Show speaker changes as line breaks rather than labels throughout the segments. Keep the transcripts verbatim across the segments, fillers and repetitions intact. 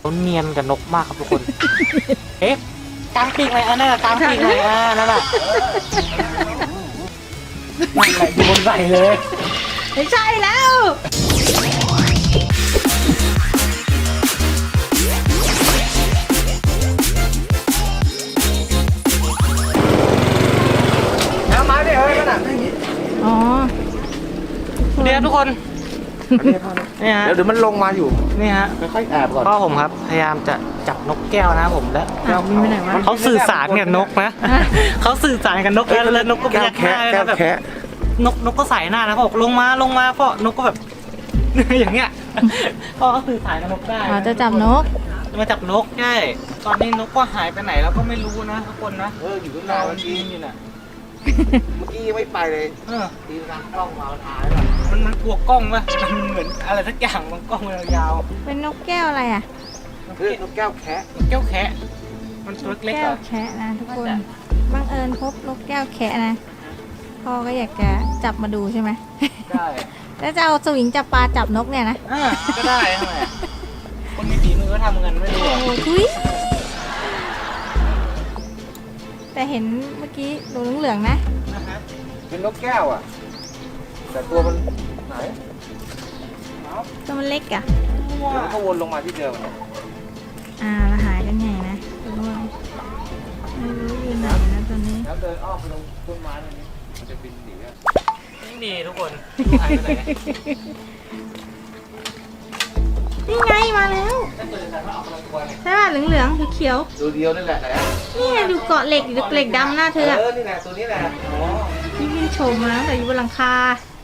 เขาเนียนกับนกมากครับทุกคน เอ๊ะกลางปีกเลยอ่ะนั่นแหละกลางปีกเลยอ่ะนั่นแหละนั่นแหละอยู่บนไหล่เลย
ไม่ใช่แล้ว
น้ำมาดิเอ้ยขนาดนี้
อ๋อ
เดี๋ยวทุกคนนี่ฮะ
เดี๋ยวเดี๋ยวมันลงมาอยู่
นี่ฮะ
ค่อยๆแอบก่อน
พ่อผมครับพยายามจะจับนกแก้วนะผมแล้ว
อ้าวมีไปไหนวะ
เขาสื่อสารกับนกนะเขาสื่อสารกับนกแล้วแล้วนกก็พ
แก้ว
ยักหน้า
แคะแก้
แล้ว
ว
แบบ
แคะ
นกนกก็ใส่หน้านะเขาบอกลงมาลงมาพ่อนกก็แบบ อย่างเงี้ยพ่อเขาสื่อสารกับนกได้
อ๋อจะจับนก
มาจับนกใช่ตอนนี้นกก็หายไปไหนแล้วก็ไม่รู้นะทุกคนนะ
เอออยู่ข้างห
น
น้า
มั
เมื่
น
อ
ยื
กี้
นอยู่น่ะ
เมื่อกี้ยังไม่ไปเลย
เออ
ตีนำกล้องมามันอายแบบ
มันมันกลัวกล้องปะมันเหมือนอะไรสักอย่างมันกล้องมันยาว
เป็นนกแก้วอะไรอ่ะ
ๆนก
เฮ้ยนกแก้วแคะ
แก้วแคะมันตัวเล็กๆ
แก้
เหร
ว
อ
แคะนะทุกคนบังเอิญพบนกแก้วแคะนะพ่อก็อยากจะจับมาดูใช่ไหม
ได้
แล้วจะเอาสวิงจับปลาจับนกเนี่ยนะ
อ่าก็ได้ทำไมอะคนมีฝีมือก็ทำกันไม่รู้
โอ้
อะ
โหทุยแต่เห็นเมื่อกี้ดูเหลืองๆนะ
นะฮะ
เป็นนกแก้วอ่ะ แต่ตัวมันไหน
ตัวมันเล็กอ่ะ
ว้า
เดี๋ยวมันก็วนลงมาที่เดิมเนี่ย
อ่าละหายกันใหญ่นะทุกคนไม่รู้อยู่ไหนนะตอนนี้
แล้วเดินอ้อมไปตรงต้นไม้ตรงนี้มันจะบินหนีอ่ะ
นี่ดีทุกคนหายไปไหน
นี่ไงมาแล้ว
ถ้าเกิดแต่ว่าเอาคนละตัวเนี่ย
ใช่ป่ะเหลืองๆเขียว
ดูเดียวนี่แหละไหนอะ
ๆนี่ไงดูเกาะเหล็กอยู่เหล็กดำหน้าเธออะ
เออนี่แหละตัวนี้แหละ
อ๋อ
นี่พี่ชมมาตั้งแต่อยู่บนหลังคา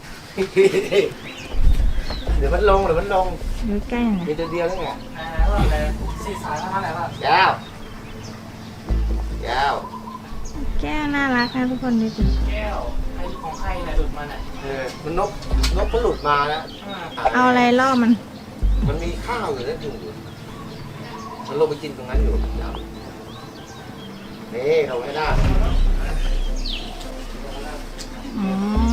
เดี๋ยวมันลงเดี๋ยวมันลง
อยู่ใกล้หน่อย
มีตัวเดียวนี่ไง
อ่าแล้วอะไรสีสายมาไหนวะ
แก้วแก้ว
แก้วน่ารักนะทุกคนดูสิ
แก้วใครของใครเนี่ยหลุดมาเนี่ย
เออมันนกนกมันหลุดมานะ
อ่า
เอาอะไรล่อมัน
มันมีข้าวอยู่นั่นอยู่มันลงไปกินตรงนั้นอยู่เดี๋ยวนี่เราไม่ได้
อ๋อ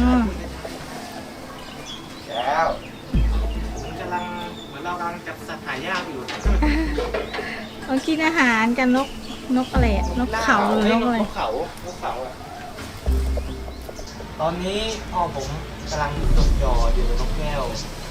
แก้ว
ผมกำลังเหมือนเรากำลังจับสัตว์หายากอยู่
เอากินอาหารกันนกนกอะไรอะนกเขาหรือนกอะไร
นกเขานกเขาอะ
ตอนนี้พ่อผมกำลังจดจ่ออยู่นกแก้ว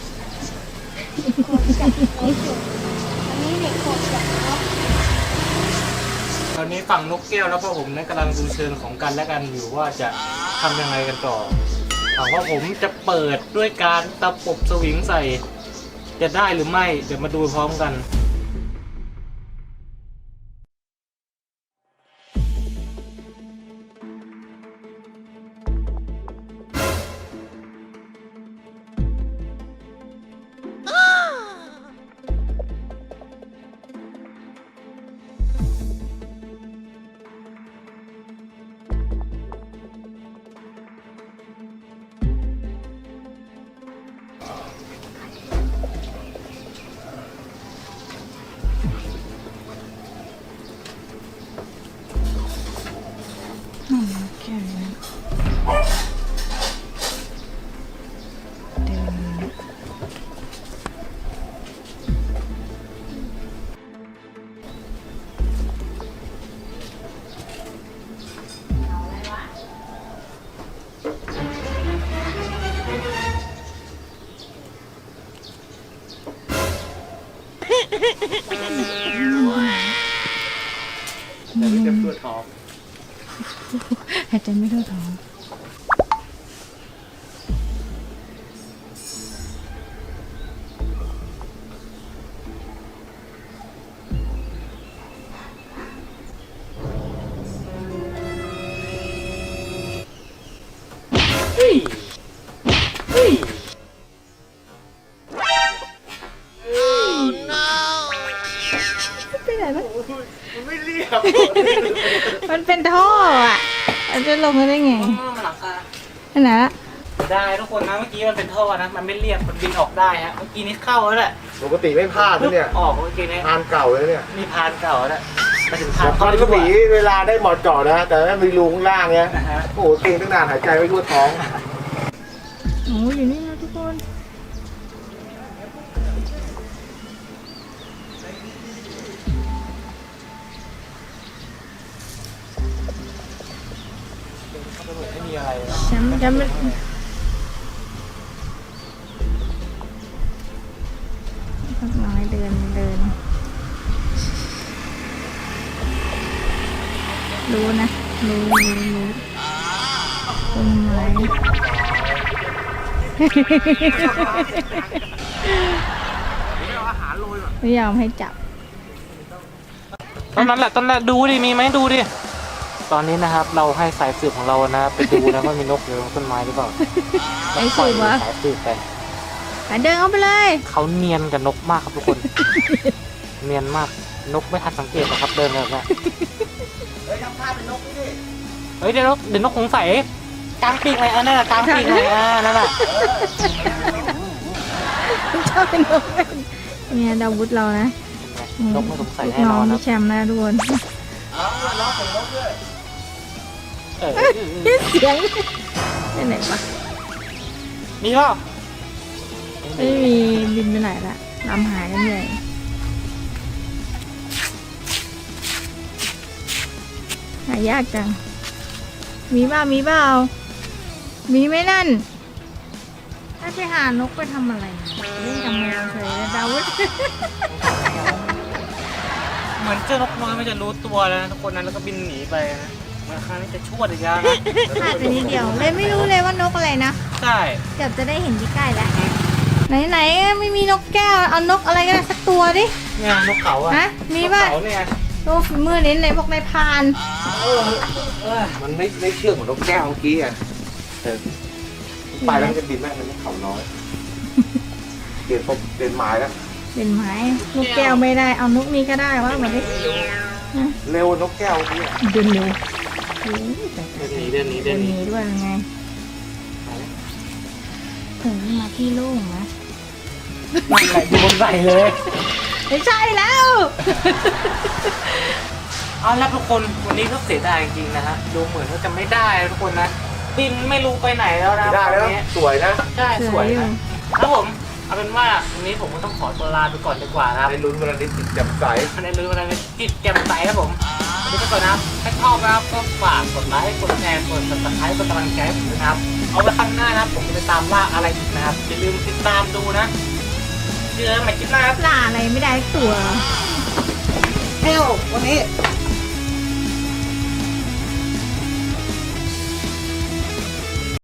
ตอนนี้ฝั่งนกแก้วแล้วพ่อผมเนี่ยกำลังดูเชิงของกันและกันอยู่ว่าจะทำยังไงกันต่อถามว่าผมจะเปิดด้วยการตะปบสวิงใส่ จะได้หรือไม่เดี๋ยวมาดูพร้อมกัน
อืมแก้วนะเดิน
แต่ไม่จะเพื่อท้อง
หายใจไม่ทั่วท้องไปไหนวะ
มันไม่เรียบ
มันเป็นท่ออ่ะมันจะลงมาได้ไง
อ๋อหลังคา
ไปไหนละ
ได้ทุกคนนะเมื่อกี้มันเป็นท่อนะ มันไม่เรียบมันบินออกได้ฮะเมื่อกี้นี้เข้าแล้วแหละ
ปกติไม่พลาดนะเนี่ย
ออกเมื่อกี้นี้
ทานเก่าเลยเนี่ย
มีพานเก่าแล้วมาถึงพาน
ตอนกระบี่เวลาได้หมอดเจาะนะ แต่ไม่มีรูข้างล่างเนี่ย
นะฮะ
โอ้โหเก่งตั้งนานหายใจไม่ทั่วท้อง
โอ้อยู่นี่นะทุกคน
อะไรนะ
ฉันจะไม่พักน้อยเดินเดินรู้นะรู้รู้รู้ต้นไม้ไม่ยอมให้จับ
ต้นนั้นแหละต้นนั้นดูดิมีไหมดูดิตอนนี้นะครับ เราให้สายสืบของเรานะไปดูนะว่ามีนกอยู่บนต้นไม้หรือเปล่า
สายสืบวะ
สายสืบไป
อ่ะเดินเข้าไปเลย
เขาเนียนกับนกมากครับทุกคน เนียนมากนกไม่ทันสังเกตหรอกครับเดินแบบนี้
เฮ้ยทำท่าเป็นนกนี่ดิ
เฮ้ยเดี๋ยวนกเดี๋ยวนกสงสัยกลางปีกเลยอ่ะนั่นแหละกลางปีกเลยอ่ะนั่นแหละ
ชอบเป็นนกเนี่ยดาวุธเรานะ
นกไม่สงสัย
ลูก
แน่น
น้อ
องน
พี่
นะ
แชมป์นะทุกคน
เอาน้องเป็นนกด้วย
เออ
เสียงไปไหนวะ
มีเปล่า
ไม่มีบินไปไหนละลำหายกันใหญ่หายากจัง มีบ้ามีเปล่ามีไหมนั่น ถ้าไปหานกไปทำอะไรเล่นกับแมวเฉยเลยดาวุธ
เหมือนเจ้านกน้อยมันจะรู้ตัวแล้วนะทุกคนนั้นแล้วก็บินหนีไปนะมันครั้งนี้จะชวดอีกแล้วนะ
พลาดไปนิดเดียวเลยไม่รู้เลยว่านกอะไรนะ
ใช่
เกือบจะได้เห็นใกล้ๆแล้วไหนๆไม่มีนกแก้วเอานกอะไรก็ได้สักตัวดิ
เนี่ยนกเขาอะ
ฮะมีป่ะ
นกเขาเนี่ย
โอ้ฝีมือนี้ไหนบอกนายพราน
เออเออ
มันไม่ไม่เชื่องเหมือนนกแก้วเมื่อกี้อ่ะเออไปแล้วมันจะบินแม่มันไม่เขาน้อยเปลี่ยนพบเปลี่ยนหมายแล้ว
เป็นไม้นกแก้วไม่ได้เอานกนี้ก็ได้ว่าเหมือนดิ
เร็วนกแก้วเมื่อกี้อะ
เดินเร็วโอ้ยแต่
เดินหนีเดินหนี
เดิ
เดิน
น
ห
ห
นี
นีด้วยยังไงถึงมาที่โล่งนะ
นั่นแหละอยู่บนไหล่เลย
ไม่ใช่แล้ว
เอาละทุกคนวันนี้ก็เสียดายจริงๆนะฮะดูเหมือนว่าจะไม่ได้นะทุกคนนะบินไม่รู้ไปไหนแล้วนะ
ไม่ได้แล้ว
ตอนนี้
สวยนะ
ใช่สวยนะครับผมเอาเป็นว่าวันนี้ผมก็ต้องขอตัวลาไปก่อนดีกว่านะครับ
ในลุ้นวันละนิดติดแจ่มใส
ในลืมอะไรจิตแจ่มใสครับผมวันนี้ไปก่อนนะครับถ้าชอบนะครับก็ฝากกดไลค์กดแชร์กดซับสไครต์กดกำลังใจให้ผมด้วยนะครับเอาไว้ข้างหน้านะครับผมจะไปตามล่าอะไรอีกนะครับอย่าลืมติดตามดูนะเจอกันใหม่คลิปหน้าครับ
ล่าอะไรไม่ได้ตัว
เอ้าวันนี้